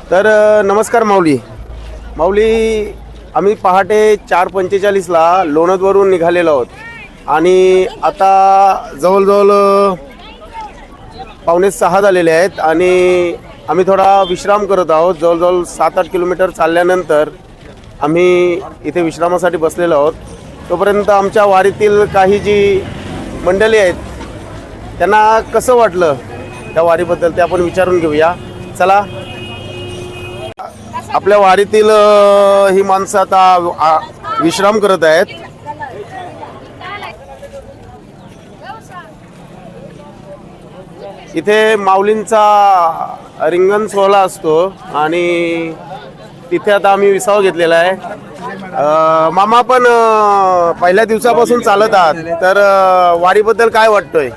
तर नमस्कार माऊली. आम्ही पहाटे 4:45ला लोणदवरून निघालेलो आहोत आणि आता जवळजवळ 5:45 झालेले आहेत आणि आम्ही थोडा विश्राम करत आहोत. जवळजवळ 7-8 किलोमीटर चालल्यानंतर आम्ही इथे विश्रामासाठी बसलेलो आहोत. तोपर्यंत आमच्या वारीतील काही जी मंडळी आहेत त्यांना कसं वाटलं त्या वारीबद्दल ते आपण विचारून घेऊया. चला. आपल्या वारीतील ही माणसं आता विश्राम करत आहेत. इथे माऊलींचा रिंगण सोहळा असतो आणि तिथे आता आम्ही विसावा घेतलेला आहे. मामा पण पहिल्या दिवसापासून चालत आहात, तर वारीबद्दल काय वाटतंय?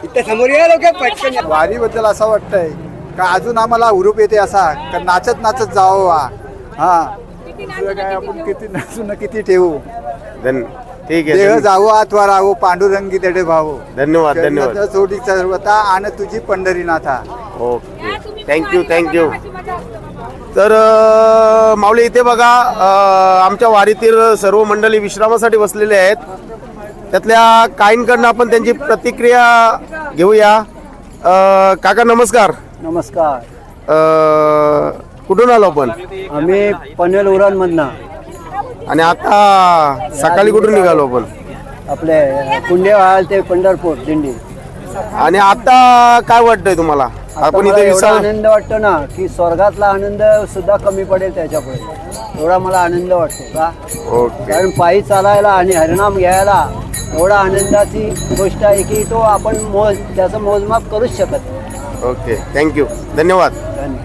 वारीबद्दल असं वाटतंय का अजून आम्हाला हुरूप येते असा का नाचत नाचत जावं. हा दुसरं काय आपण किती नाचू ना किती ठेवू. ठीक देह आहे. जावो अथवा राहो पांडुरंगी तेडे भावो. धन्यवाद धन्यवाद. सोडी सर्वता आणि तुझी पंढरीनाथा. Okay, thank you. तर माऊली इथे बघा, आमच्या वारीतील सर्व मंडळी विश्रामासाठी बसलेले आहेत. त्यातल्या काहींकडनं आपण त्यांची प्रतिक्रिया घेऊया. काका नमस्कार. नमस्कार. कुठून आलो आपण? आम्ही पनवेल उरणमधनं आणि आता सकाळी कुठून निघालो आपण? आपले कुंडेवाल ते पंढरपूर दिंडी. आणि आता काय वाटतंय तुम्हाला? आपण मला इथे एवढा विसावा. आनंद वाटतो ना की स्वर्गातला आनंद सुद्धा कमी पडेल त्याच्यापुढे. एवढा मला आनंद वाटतो का, ओके. कारण पायी चालायला आणि हरिनाम घ्यायला एवढा आनंदाची गोष्ट आहे की तो आपण त्याचं मोजमाप करूच शकत. ओके, थँक्यू, धन्यवाद. धन्यवाद.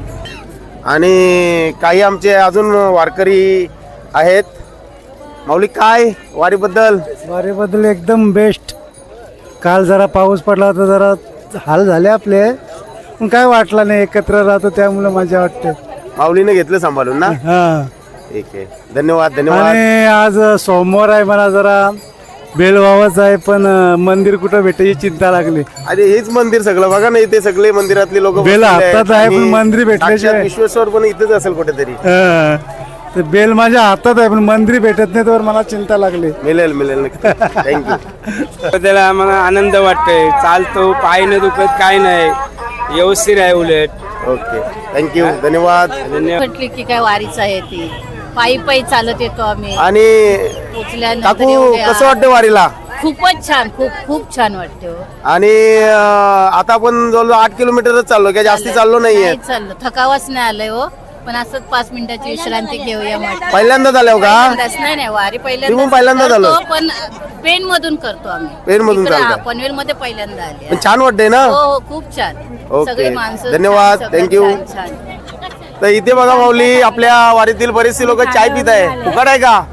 आणि काही आमचे अजून वारकरी आहेत. माऊली काय वारीबद्दल? एकदम बेस्ट. काल जरा पाऊस पडला होता, जरा हाल झाले आपले, पण काय वाटलं नाही, एकत्र राहतो त्यामुळे मजा वाटते. माऊलीने घेतलं सांभाळून ना. हा. ठीक आहे, धन्यवाद. आणि आज सोमवार आहे, मला जरा बेल व्हावाच आहे, पण मंदिर कुठं भेटायची चिंता लागली. अरे हेच मंदिर सगळं बघा ना, इथे सगळे मंदिरातले लोक बेल हातात आहे, पण मंदिर भेटल्याशिवाय. विश्वेश्वर पण इथेच असेल कुठेतरी. हा. ते बेल माझ्या हातात आहे, पण मंदिर भेटत नाही, तर मला चिंता लागली. मिळेल नक्की. थँक्यू. त्याला आम्हाला आनंद वाटतोय. चालतो, पाय न दुखत काय नाही, व्यवस्थित आहे उलट. ओके, थँक्यू, धन्यवाद. म्हटली की काय वारीच आहे ती. पायी चालत येतो आम्ही. आणि पोचल्यानंतर काकू एवढे कसं वाटतं वारीला? खूपच छान, खूप छान वाटते हो. आणि आता आपण जवळ 8 किलोमीटरच चाललो, काय जास्ती चाललो नाहीये. नाही चाललो, थकावाच नाही आलंय हो, पण असंच 5 मिनिटाची विश्रांती घेऊया म्हटलं. पहिल्यांदा झालो का? नाही वारी तुम्ही पहिल्यांदा करतो, झालो? पण पेन मधून करतो आम्ही. पेनमधून इकडं, चालताय? पनवेल मध्ये पहिल्यांदा आले. पण छान वाटतंय ना? हो, खूप छान. ओके. सगळी माणसं धन्यवाद. छान, सगळं Thank you. छान. तर इथे बघा माऊली, आपल्या वारीतील बरेचसे लोक चाय पित आहे. फुकट आहे का?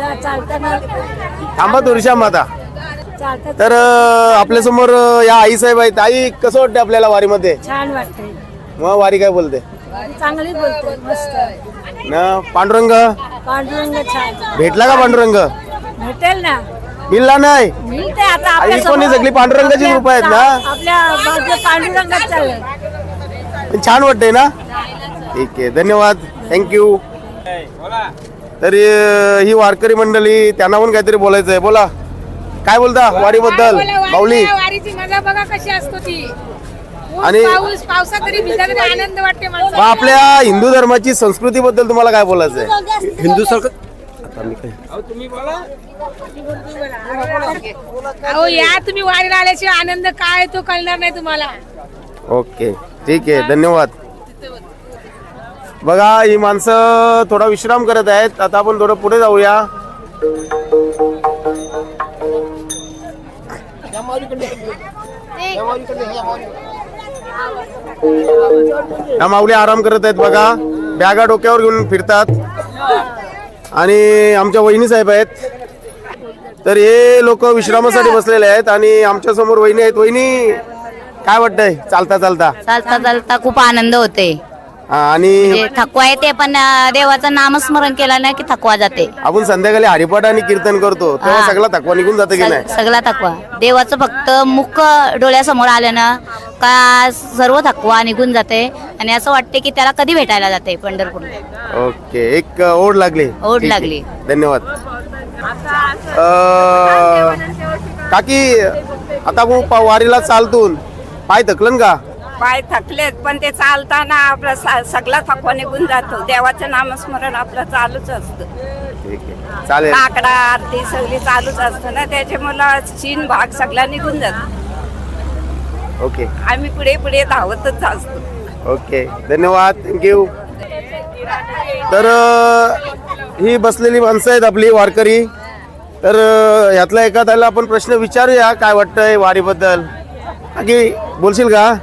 थांबा थोडीशा माता. तर आपल्या समोर या आई साहेब आहेत. आई, कसं वाटतं आपल्याला वारीमध्ये? छान वाटते. मग वारी काय बोलते चांगली बोलते, मस्त ना? पांडुरंग पांडुरंग छान भेटला का? पांडुरंग भेटेल ना, मिळला नाही. मिळते आता आई आपल्या कोणी समोर. सगळी पांडुरंगाची रूप आहेत ना? आपल्या बाजू पांडुरंगात चाललंय. पण छान वाटतंय ना? ठीक आहे, धन्यवाद, थँक्यू. तर ही वारकरी मंडळी, त्यांना पण काहीतरी बोलायचं आहे. बोला, काय बोलता वारीबद्दल माऊली? वारीची मजा बघा कशी असतो ती. आणि पावसात तरी भिजत आनंद वाटते मग आपल्या हिंदू धर्माची संस्कृती बद्दल तुम्हाला काय बोलायचं आहे? हिंदू सरकार अहो या तुम्ही वारीला आल्याशिवाय आनंद काय तो कळणार नाही तुम्हाला. ओके, ठीक आहे, धन्यवाद. बघा, ही माणसं थोडा विश्राम करत आहेत. आता आपण थोडं पुढे जाऊया. या माऊली आराम करत आहेत बघा, बॅगा डोक्यावर घेऊन फिरतात. आणि आमच्या वहिनी साहेब आहेत. तर हे लोक विश्रामासाठी बसलेले आहेत आणि आमच्या समोर वहिनी आहेत. वहिनी, काय वाटतंय चालता? खूप आनंद होते. आणि थकवा येते, पण देवाचं नामस्मरण केलं नाही की थकवा जाते. आपण संध्याकाळी हरिपाठ आणि कीर्तन करतो तेव्हा सगळा थकवा निघून जाते की नाही? सगळा थकवा देवाचं फक्त मुख डोळ्यासमोर आलं ना का सर्व थकवा निघून जाते आणि असं वाटते की त्याला कधी भेटायला जाते पंढरपूरला. ओके, एक ओढ लागली. ओढ ठीक आहे. लागली. धन्यवाद. काकी आता वारीला चालतून पाय थकलन का? पाय थकलेत पण ते चालताना आपला सगळा थकवा निघून जातो. देवाचं नामस्मरण आपलं चालूच असतं. ठीक आहे, चालेल. काकडा आरती सगळी चालूच असतं ना, त्याच्यामुळे चीन भाग सगळा निघून जातो. ओके आम्ही पुढे पुढे धावतच असतो. ओके, धन्यवाद, थँक्यू. तर ही बसलेली माणसं आहेत आपली वारकरी. तर ह्यातला एखाद्याला आपण प्रश्न विचारूया, काय वाटतंय वारीबद्दल. काकी बोलशील का?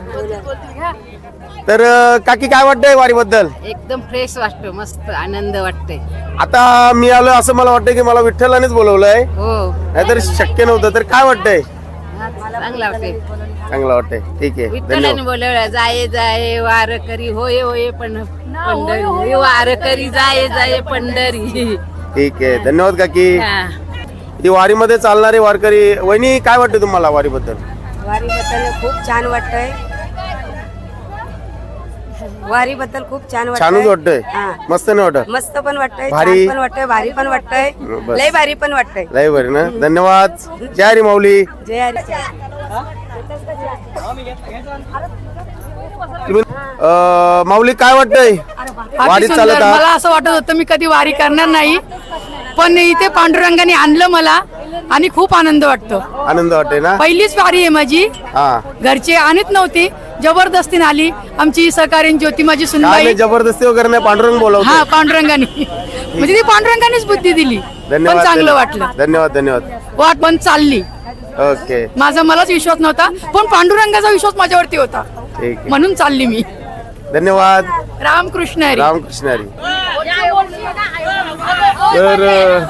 तर काकी काय वाटतंय वारीबद्दल? एकदम फ्रेश वाटतो, मस्त आनंद वाटते. आता मी आलो असं मला वाटतं की मला विठ्ठलानेच बोलवलंय, हो, नाहीतर शक्य नव्हतं. तर काय वाटतंय? चांगला वाटते. चांगलं वाटतंय. ठीक आहे, विठ्ठलाने धन्यवाद. बोलवलं, जाये जाये वार करी होय होय पण पंढरी वार करी जाये जाये पंढरी. ठीक आहे, धन्यवाद काकी. हा. ही वारीमध्ये चालणारे वारकरी. वहिनी काय वाटतं तुम्हाला वारीबद्दल? वारीबद्दल खूप छान वाटतंय. वारीबद्दल खूप छान छानच वाटतंय. हा. मस्त नाही वाटत? मस्त पण वाटतंय, भारी. छान पण वाटतंय, भारी पण वाटतंय, बस. लय भारी पण वाटतंय. लय बरे ना. धन्यवाद. जय हरी माऊली. जय हरी. माऊली काय वाटतंय वारीत चालत आहात? मला असं वाटत होतं मी कधी वारी करणार नाही, पण इथे पांडुरंगाने आणलं मला आणि खूप आनंद वाटतो. आनंद वाटतंय ना? पहिलीच वारी आहे माझी. हा, घरचे आणत नव्हती, जबरदस्तीने आली. आमची सहकारीण ज्योती माझी काय सुनबाई. नाही, जबरदस्ती वगैरे नाही, पांडुरंग बोलवतो. हा, पांडुरंगाने म्हणजे ती पांडुरंगानेच बुद्धी दिली. पण धन्यवाद. चांगलं वाटलं. धन्यवाद धन्यवाद. वाट पण चालली. ओके, मलाच विश्वास नव्हता, पण पांडुरंगाचा विश्वास माझ्यावरती होता, ठीक आहे, म्हणून चालली मी. धन्यवाद. रामकृष्ण हरी. रामकृष्ण हरी. तर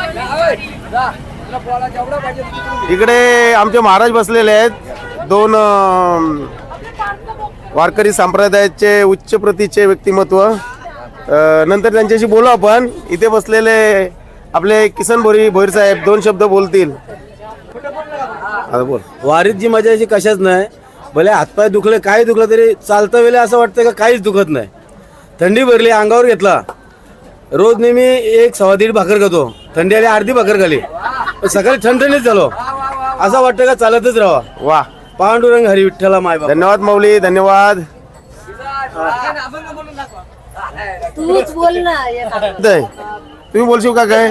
इकडे आमचे महाराज बसलेले आहेत. दोन वारकरी संप्रदायाचे उच्च प्रतीचे व्यक्तिमत्व. नंतर त्यांच्याशी बोलू आपण. इथे बसलेले आपले किसन भोईर साहेब 2 शब्द बोलतील. आता बोल. वारीत जी मजा याची कशाच नाही. भले हातपाय दुखले, काही दुखलं तरी चालतं वेळे असं वाटतं का काहीच दुखत नाही. थंडी भरली, अंगावर घेतला. रोज नेहमी 1-1.25 भाकर खातो, थंडी आली अर्धी भाकर खाली, सकाळी ठणठणीत झालो. असं वाटतं का चालतच राहावा. वा, पांडुरंग हरी विठ्ठला माय बाप. धन्यवाद माऊली, धन्यवाद. तूच बोल ना. तुम्ही बोलशील का काय?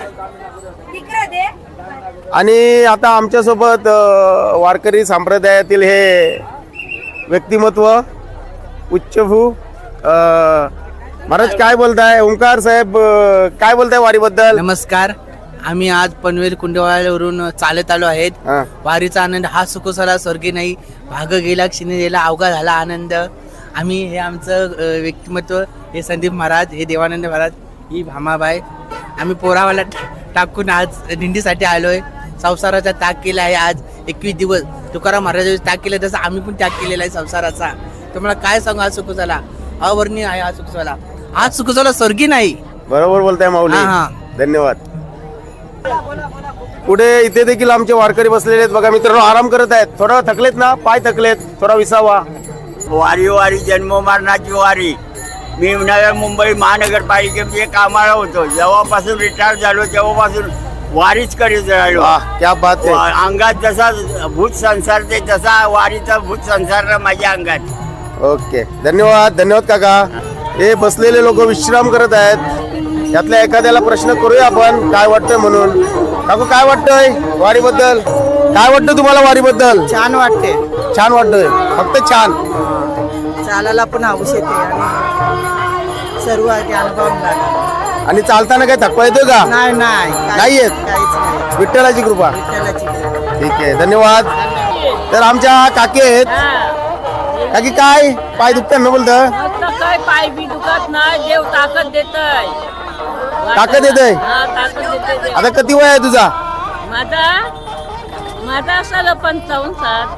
आणि आता आमच्यासोबत वारकरी संप्रदायातील हे व्यक्तिमत्व उच्चभू महाराज काय बोलताय? ओंकार साहेब काय बोलताय वारीबद्दल? नमस्कार. आम्ही आज पनवेल कुंडवाल्यावरून चालत आलो आहेत. हा. वारीचा आनंद हा सुखसला स्वर्गी नाही, भाग गेला क्षणी गेला अवघा झाला आनंद. आम्ही हे आमचं व्यक्तिमत्व, हे संदीप महाराज, हे देवानंद महाराज, ही भामाबाई. आम्ही पोरावाला टाकून आज दिंडीसाठी आलोय. संसाराचा त्याग केला आहे. आज 21 दिवस तुकाराम महाराजांनी त्याग केला, तसं आम्ही पण त्याग केलेला आहे संसाराचा. तुम्हाला काय सांगू, आज सुखसला अवर्णीय आहे. आज सुखसला, आज सुखसला स्वर्गी नाही. बरोबर बोलताय माऊली. हा. धन्यवाद. पुढे इथे देखील आमचे वारकरी बसलेले आहेत. बघा मित्रांनो, आराम करत आहेत. थोडं थकलेत ना, पाय थकलेत, थोडा विसावा. वारी जन्म मरणाची वारी. मी नव्या मुंबई महानगरपालिकेमध्ये कामाला होतो. जेव्हापासून रिटायर झालो तेव्हापासून वारीच करीत राहिलो. क्या बात आहे. अंगात जसा भूत संसार ते तसा वारीचा भूत संसार माझ्या अंगात. ओके, धन्यवाद. धन्यवाद काका. हे बसलेले लोक विश्राम करत आहेत. यातल्या एखाद्याला प्रश्न करूया आपण, काय वाटतंय म्हणून. काकू काय वाटतंय वारीबद्दल? काय वाटतं तुम्हाला वारीबद्दल? छान वाटते. छान वाटतंय, फक्त छान. चालायला पण हौस येते आणि सर्व अनुभव. आणि चालताना काय थकवा येतोय का? नाही येत. विठ्ठलाची कृपा. ठीक आहे, धन्यवाद. तर आमच्या काकी आहेत. काकी काय पाय दुखतात ना बोलतं? काय पाय बी दुखत नाही, देव ताकद देतय. ताकद येतंय. आता किती वय आहे तुझा? माझा असाल 55-60.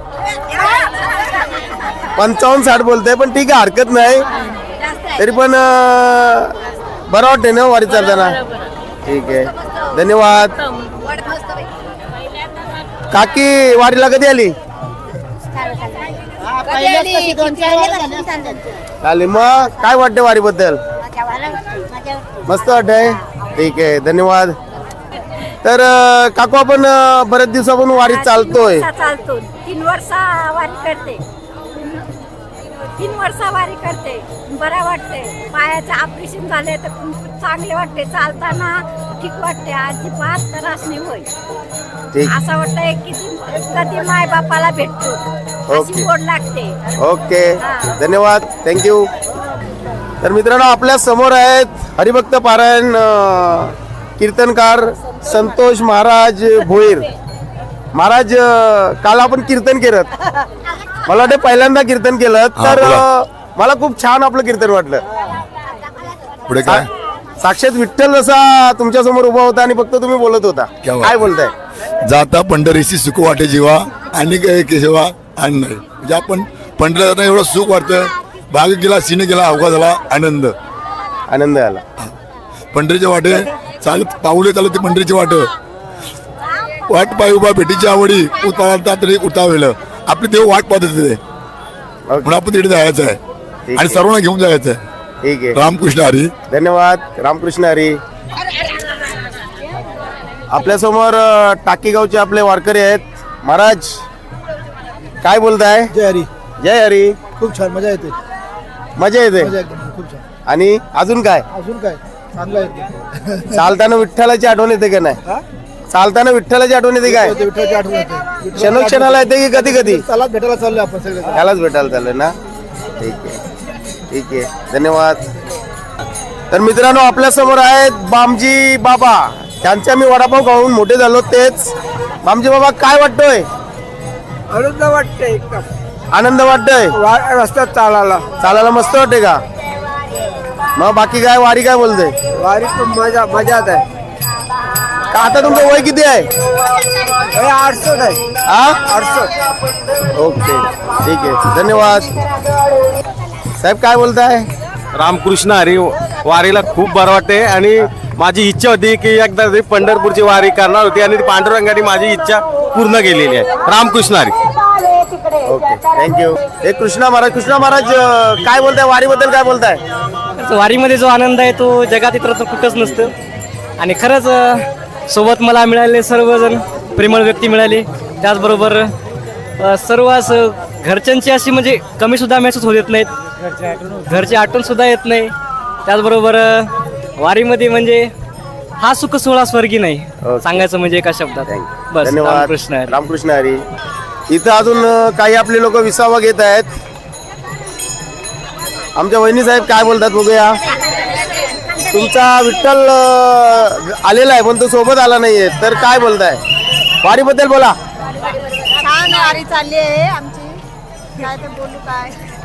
55-60 बोलतोय, पण ठीक आहे, हरकत नाही. तरी पण बरं वाटतंय ना वारी चालताना? ठीक आहे, धन्यवाद. काकी वारीला कधी आली? चालेल. मग काय वाटते वारीबद्दल? मस्त वाटतंय. ठीक आहे, धन्यवाद. तर काकू, आपण बरेच दिवसापासून वारीत चालतोय. चालतो 3 वर्ष वारी करते. 3 वर्ष वारी करते. बरं वाटते. पायाचं ऑपरेशन झाले तर चांगले वाटते. चालताना ठीक वाटते. अजिबात त्रास नाही होईल. ठीक. असं वाटतंय की कधी माय बापाला भेटतो. ओके. अशी गोड लागते. ओके, धन्यवाद, थँक्यू. तर मित्रांनो, आपल्या समोर आहेत हरिभक्त पारायण कीर्तनकार संतोष महाराज भोईर. महाराज, काल आपण कीर्तन केलं, मला वाटतं पहिल्यांदा कीर्तन केलं, तर मला खूप छान आपलं कीर्तन वाटलं. पुढे काय? साक्षात विठ्ठल जसा तुमच्या समोर उभा होता आणि फक्त तुम्ही बोलत होता. काय बोलताय? जाता पंढरीशी सुख वाटे जीवा आणि काय केशवा आणि नाही, म्हणजे आपण पंढरीला एवढं सुख वाटतं. भाग गेला, सिने गेला, अवघा झाला, आनंद आनंद आला. पंढरीच्या वाटे चालत पाऊले चालत पंढरीची वाट पाय उभा भेटीची आवडी उतारता तरी उतावेलं. आपले देव वाट पाहत होते म्हणून आपण तिथे जायचं आहे आणि सर्वांना घेऊन जायचं आहे. ठीक आहे, रामकृष्ण हरी. धन्यवाद. रामकृष्ण हरी. आपल्यासमोर टाकीगावचे आपले वारकरी आहेत. महाराज, काय बोलताय? जय हरी. जय हरी. खूप छान, मजा येते. मजा येते. खूप छान. आणि अजून काय? अजून काय चांगलं येते. चालताना विठ्ठलाची आठवण येते का नाही? चालताना विठ्ठलाची आठवण येते काय? विठ्ठलाची आठवण येते. क्षणोक्षणाला येते की कधी कधी? चला भेटायला चाललो आपण सगळे. त्यालाच भेटायला चाललंय ना. ठीक आहे, ठीक आहे, धन्यवाद. तर मित्रांनो, आपल्या समोर आहेत बामजी बाबा. त्यांच्या मी वडापाव खाऊन मोठे झालो. तेच बामजी बाबा, काय वाटतोय? आनंद वाटते एकदम. आनंद वाटतोय. रस्त्यात चालायला मस्त वाटते का? मग बाकी काय, वारी काय बोलते? वारी पण मजाच आहे. का आता तुमचं वय किती आहे? 68 आहे. हा, 68. ओके, ठीक आहे, धन्यवाद. साहेब, काय बोलताय? रामकृष्ण हरी. वारीला खूप बरं वाटते आणि माझी इच्छा होती की एकदा तरी पंढरपूरची वारी करणार होती आणि पांडुरंगाने माझी इच्छा पूर्ण केलेली आहे. रामकृष्ण हरी. Okay, thank you. हे कृष्णा महाराज. कृष्णा महाराज, काय बोलताय वारीबद्दल? काय बोलताय? वारीमध्ये जो आनंद आहे तो जगात इतर कुठंच नसतं. आणि खरंच सोबत मला मिळाले सर्वजण प्रेमळ व्यक्ती मिळाले. त्याचबरोबर सर्व असं घरच्यांची अशी म्हणजे कमी सुद्धा महसूस होत येत नाहीत. घरची आठवण सुद्धा येत नाही. त्याचबरोबर वारीमध्ये म्हणजे हा सुख सोहळा स्वर्गी नाही. सांगायचं म्हणजे एका शब्दात. बस, धन्यवाद. रामकृष्ण हरी. रामकृष्ण हरी. इथं अजून काही आपले लोक विसावा घेत आहेत. आमच्या वहिनी साहेब काय बोलतात बघूया. तुमचा विठ्ठल आलेला आहे पण तो सोबत आला नाहीये, तर काय बोलताय वारीबद्दल? बोला. छान वारी चालली आहे आमची. काय ते बोलू काय.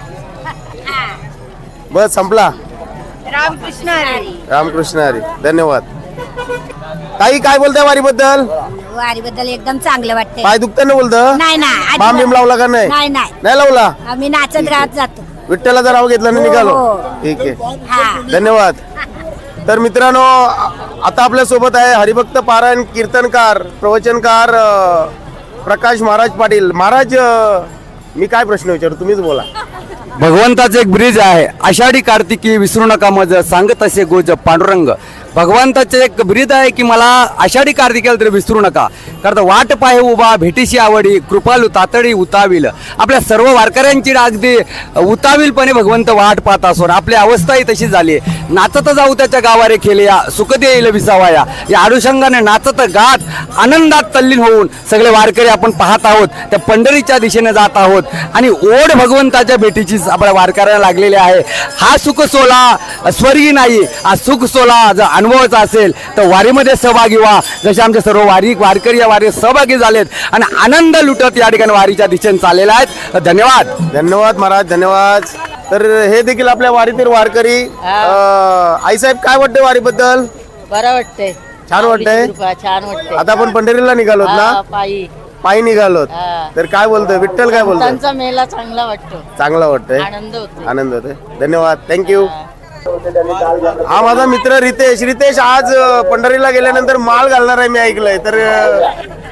बस, संपला. रामकृष्ण हरी. रामकृष्ण हरी. धन्यवाद. ताई, काय बोलताय वारीबद्दल? वारीबद्दल एकदम चांगलं वाटतंय. पाय दुखताना बोलतं? नाही नाही, बाम बिम लावला का नाही? नाही नाही, नाही लावला. आम्ही नाचत गात जातो. विठ्ठलाचं नाव घेतलं आणि निघालो. ठीक आहे, धन्यवाद. तर मित्रांनो, आता आपल्या सोबत आहे हरिभक्त पारायण कीर्तनकार प्रवचनकार प्रकाश महाराज पाटील. महाराज, मी काय प्रश्न विचारू, तुम्हीच बोला. भगवंताचं एक ब्रिज आहे, आषाढी कार्तिकी विसरू नका मज, सांगत असे गोज पांडुरंग. भगवंताचे एक ब्रिज आहे की मला आषाढी कार्तिकेला तरी विसरू नका, कारण वाट पाहे उभा भेटीशी आवडी, कृपालू तातडी उताविल. आपल्या सर्व वारकऱ्यांची अगदी उताविलपणे भगवंत वाट पाहत असून आपली अवस्थाही तशी झाली. नाचत जाऊ त्याच्या गावारे खेले या, सुख देईल विसावाया. या अनुषंगाने नाचत गात आनंदात तल्लीन होऊन सगळे वारकरी आपण पाहत आहोत. त्या पंढरीच्या दिशेने जात आहोत आणि ओढ भगवंताच्या भेटीची आपल्या वारकऱ्याला लागलेली आहे. हा सुख सोला स्वर्गी नाही, हा सुख सोला जर अनुभवाचा असेल तर वारीमध्ये सहभागी व्हा. जसे आमचे सर्व वारकरी या वारीत सहभागी झालेत आणि आनंद लुटत या ठिकाणी वारीच्या दिशेने चाललेला आहेत. धन्यवाद. धन्यवाद महाराज, धन्यवाद. तर हे देखील आपल्या वारीतील वारकरी. आईसाहेब, काय वाटते वारीबद्दल? बरं वाटतंय. छान वाटतंय. छान वाटतंय. आता आपण पंढरीला निघालोत ना, पायी निघालोत. तर काय बोलतोय विठ्ठल? काय बोलतोय? त्यांचा मेला चांगला वाटतो. चांगला वाटतंय, आनंद होतोय. धन्यवाद, थँक्यू. हा माझा मित्र रितेश. रितेश, आज पंढरीला गेल्यानंतर माळ घालणार आहे मी ऐकलंय, तर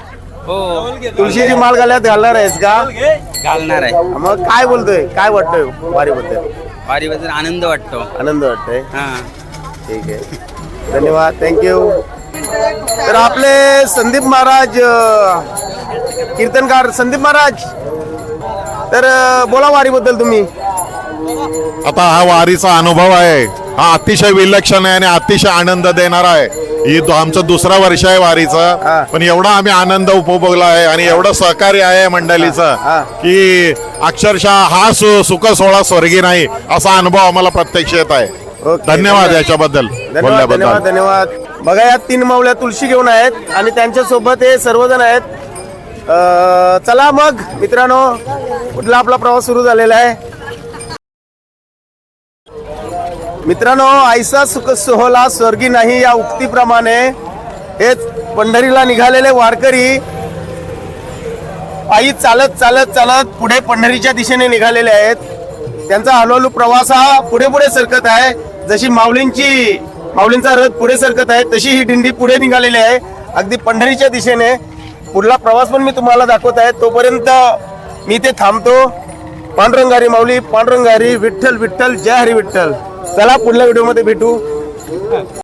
तुळशीची माळ गळ्यात घालणार आहेस का? घालणार आहे. मग काय बोलतोय, काय वाटतंय वारीबद्दल? वारीबद्दल आनंद वाटतो. आनंद वाटतंय. हा. ठीक आहे, धन्यवाद, थँक्यू. तर आपले संदीप महाराज कीर्तनकार संदीप महाराज, तर बोला वारीबद्दल तुम्ही. आता हा वारीचा अनुभव आहे, हा अतिशय विलक्षण आहे आणि अतिशय आनंद देणारा आहे. ही आमचं दुसरा वर्ष आहे वारीचं, पण एवढा आम्ही आनंद उपभोगला आहे आणि एवढं सहकार्य आहे मंडळीचं की अक्षरशः हा सुख सोहळा स्वर्गी नाही असा अनुभव आम्हाला प्रत्यक्ष येत आहे. धन्यवाद याच्याबद्दल धन्यवाद, बोलल्याबद्दल. धन्यवाद, धन्यवाद. बघा या 3 माऊल्या तुळशी घेऊन आहेत आणि त्यांच्या सोबत हे सर्वजण आहेत. चला मग मित्रांनो, कुठला आपला प्रवास सुरू झालेला आहे. मित्रांनो, ऐसा सुख सोहळा स्वर्गी नाही या उक्तीप्रमाणे हे पंढरीला निघालेले वारकरी पायी चालत चालत चालत पुढे पंढरीच्या दिशेने निघालेले आहेत. त्यांचा हळूहळू प्रवास हा पुढे पुढे सरकत आहे. जशी माऊलींचा रथ पुढे सरकत आहे तशी ही दिंडी पुढे निघालेली आहे अगदी पंढरीच्या दिशेने. पुढला प्रवास पण मी तुम्हाला दाखवत आहे. तोपर्यंत मी इथे थांबतो. पांडुरंगारी माऊली, पांडुरंगारी, विठ्ठल विठ्ठल, जय हरी विठ्ठल. चला पुढल्या व्हिडिओमध्ये भेटू.